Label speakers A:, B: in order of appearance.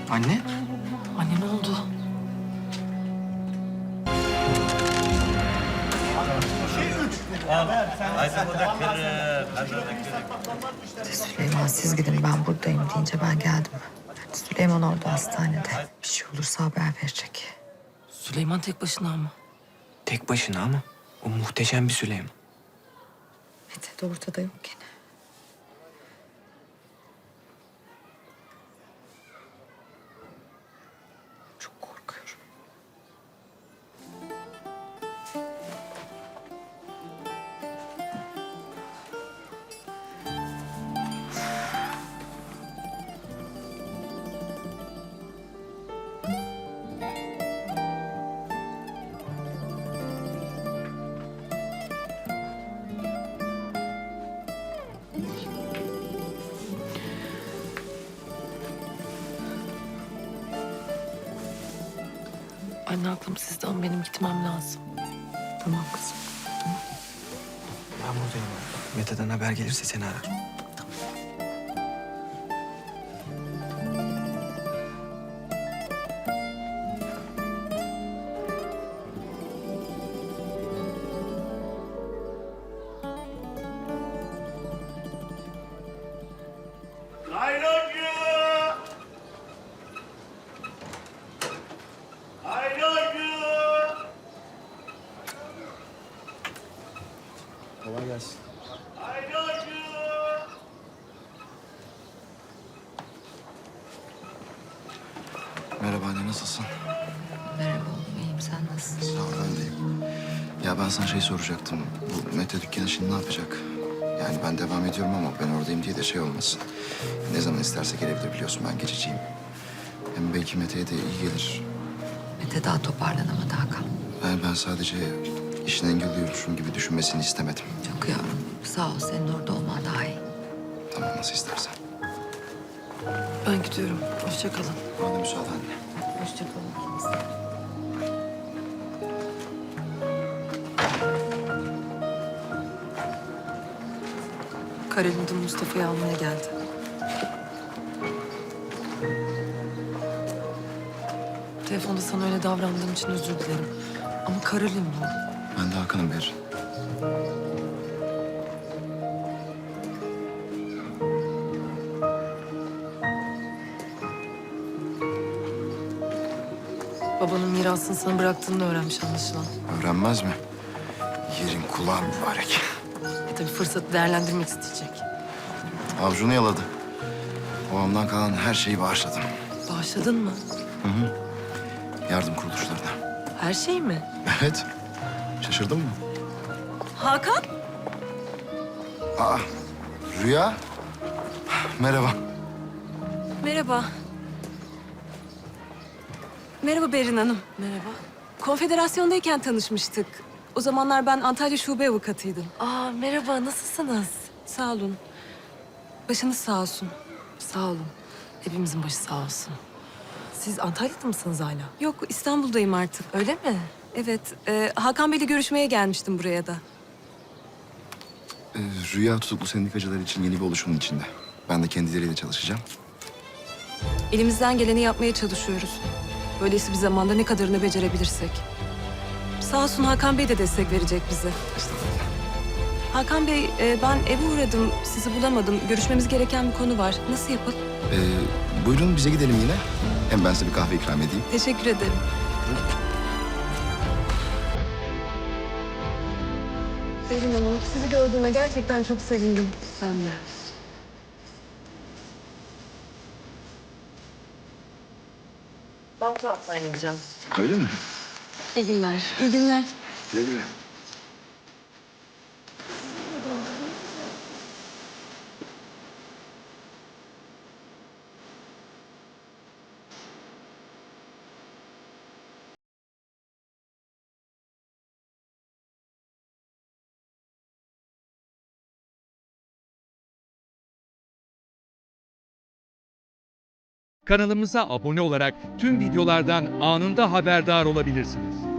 A: Anne?
B: Anne ne oldu?
C: Süleyman siz gidin ben buradayım deyince ben geldim. Süleyman orada hastanede. Bir şey olursa haber verecek.
B: Süleyman tek başına ama.
A: Tek başına ama o muhteşem bir Süleyman.
C: Mete de ortada yok gene. Çok korkuyorum.
B: Anne aklım sizde ama benim gitmem lazım.
C: Tamam kızım.
A: Ben buradayım. Mete'den haber gelirse seni ararım.
D: Nayloncu! Nayloncu!
A: Kolay gelsin.
D: Nayloncu!
E: Merhaba anne, nasılsın?
C: Merhaba oğlum iyiyim sen nasılsın?
E: Sağ ol, ben deyim. Ya ben sana şey soracaktım. Bu Mete dükkanı şimdi ne yapacak? Yani ben devam ediyorum ama ben oradayım diye de şey olmasın. Ne zaman isterse gelebilir biliyorsun, ben geçiciyim. Hem belki Mete'ye de iyi gelir.
C: Mete daha toparlanamadı Hakan.
E: Ben sadece işini engelliyormuşum gibi düşünmesini istemedim.
C: Çok yavrum sağ ol senin orada olman daha iyi.
E: Tamam, nasıl istersen.
B: Ben gidiyorum. Hoşça kalın.
E: Bana müsaade anne.
C: Hoşça kalın ikiniz de.
B: Karolin de Mustafa'yı almaya geldi. Telefonda sana öyle davrandığım için özür dilerim. Ama Karolin bu.
E: Ben de Hakan'ım bir.
B: Babanın mirasını sana bıraktığını öğrenmiş anlaşılan.
E: Öğrenmez mi? Yerin kulağı mübarek.
B: Tabii fırsatı değerlendirmek isteyecek.
E: Avcunu yaladı. Babamdan kalan her şeyi bağışladım.
B: Bağışladın mı?
E: Yardım kuruluşlarına.
B: Her şey mi?
E: Evet. Şaşırdın mı?
B: Hakan?
E: Aa, Rüya. Merhaba.
F: Merhaba. Merhaba Berin Hanım.
B: Merhaba.
F: Konfederasyondayken tanışmıştık. O zamanlar ben Antalya Şube Avukatıydım.
B: Aa merhaba nasılsınız?
F: Sağ olun. Başınız sağ olsun.
B: Sağ olun. Hepimizin başı sağ olsun. Siz Antalya'da mısınız hala?
F: Yok İstanbul'dayım artık.
B: Öyle mi?
F: Evet. Hakan Bey'le görüşmeye gelmiştim buraya da.
E: Rüya tutuklu sendikacılar için yeni bir oluşumun içinde. Ben de kendileriyle çalışacağım.
F: Elimizden geleni yapmaya çalışıyoruz. Böylesi bir zamanda ne kadarını becerebilirsek. Sağ olsun Hakan Bey de destek verecek bize.
E: Estağfurullah.
F: Hakan Bey, ben eve uğradım. Sizi bulamadım. Görüşmemiz gereken bir konu var. Nasıl yapalım?
E: Buyurun bize gidelim yine. Hem ben size bir kahve ikram edeyim.
F: Teşekkür ederim.
B: Selin Hanım sizi gördüğüme gerçekten çok sevindim. Ben de. Ben bu taraftan gideceğim.
E: Öyle mi?
B: İyi günler. İyi günler.
E: Güle güle.
G: Kanalımıza abone olarak tüm videolardan anında haberdar olabilirsiniz.